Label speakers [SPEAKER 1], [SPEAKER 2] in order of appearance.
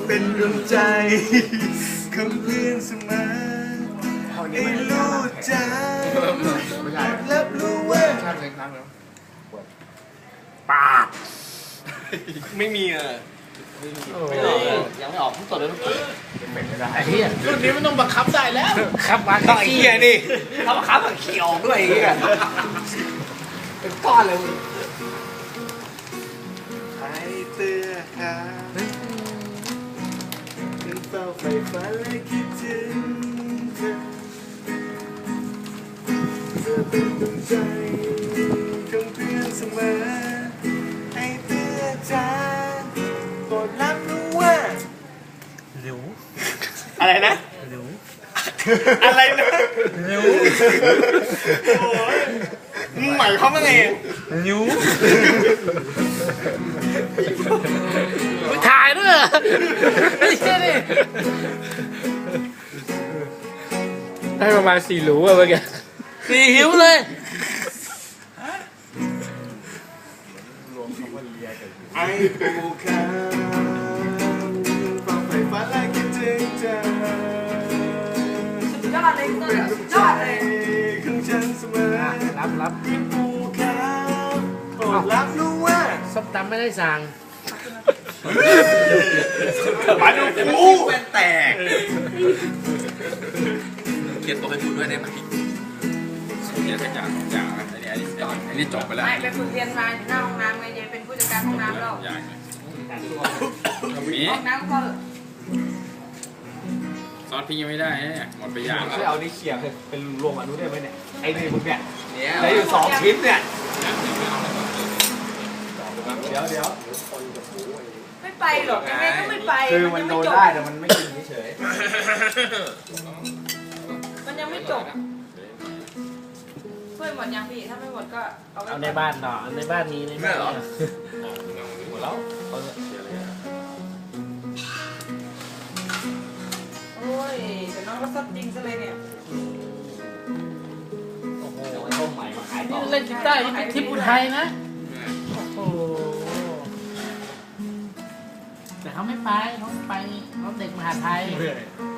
[SPEAKER 1] เป็นดวงใจคำเพื่อนเสมอให้รู้ใจรับรู้ว่าข้างเลยข้างแล้วปากไม่มีอ่ะ
[SPEAKER 2] ไม่ออกยังไม่ออกทุกตัวเลย
[SPEAKER 1] เป็นไม่ได้
[SPEAKER 3] ไอ้เหี้ยรุ่นนี้มันต้องบังคับได้แล้วครับมา
[SPEAKER 1] ต้องไอ้เหี้ยนี่
[SPEAKER 2] ถ้าบังคับเขียวด้วยอย่างเงี้ยเป็นก้อนเลย
[SPEAKER 1] ไอ้เตื้อขาฉันเฝ้าใฝ่ฝันและคิดถึงเธอเธอเป็นดวงใจของเพื่อนเสมอไอ้เตื้อจ้าโปรดรับรู้ว่าเร็วอะไรนะเร็วอะไรนะเร็วโอ้ยมึงหมายความว่าไงเร็ว
[SPEAKER 3] ไม่ถ่ายด้วยไอ้เหี้ยนี่ได้ประมาณ4 หลูอะเมื่อกี้4 หิวเลย
[SPEAKER 1] ไอ้ปูคำฟังไฟฟ้าและคิดถึงเธอ
[SPEAKER 4] สุดยอดเลยสุดยอดเลย
[SPEAKER 1] ของฉันเสมอ
[SPEAKER 3] รับ
[SPEAKER 1] ไอ้ปูคำโปรดรับรู้ว่า
[SPEAKER 3] ส้มตำไม่ได้สั่ง
[SPEAKER 1] หมาดูกูเป็นแตก
[SPEAKER 5] เขียนตัวให้พูดด้วยได้ไหมเขียนสักอย่าง2 อย่างอันนี้จบไปแล้ว
[SPEAKER 4] ไม่ไปฝึกเรียนมาอยู่หน้าห้องน้ำไงเย็นเป็นผู้จัดการห้องน้ำแล้ว
[SPEAKER 5] อย่างมี
[SPEAKER 4] ห้องน้ำก็
[SPEAKER 5] ซอสพริกยังไม่ได้เนี่ยหมดไปอย่าง
[SPEAKER 2] ช่วยเอานี่เขี่ยเป็นรวมอนุได้ไหมเนี่ยไอ้นี่มึงเนี่ยได้อยู่2 ชิ้นเนี่ยเดี๋ยว
[SPEAKER 4] ไม่ไปหรอกยังไงก็ไม่ไป
[SPEAKER 2] คือมันโดนได้แต่มันไม่กินเฉย
[SPEAKER 4] มันยังไม่จบเพื่อนหมดยังพี่ถ้าไม่หมดก็เอา
[SPEAKER 3] เอาในบ้านต่อในบ้านมีในบ้าน
[SPEAKER 2] หมดแล้ว
[SPEAKER 4] โอ้ยแต่น้องก็ซัดจริงซะเลยเนี่ย
[SPEAKER 2] โอ้โหเดี๋ยวไว้ต้มใหม่มาขายต่อ
[SPEAKER 3] เล่นกีตาร์นี่เป็นทิพย์อุทัยนะโอ้โหแต่เขาไม่ไปเขาเด็กมหาไทย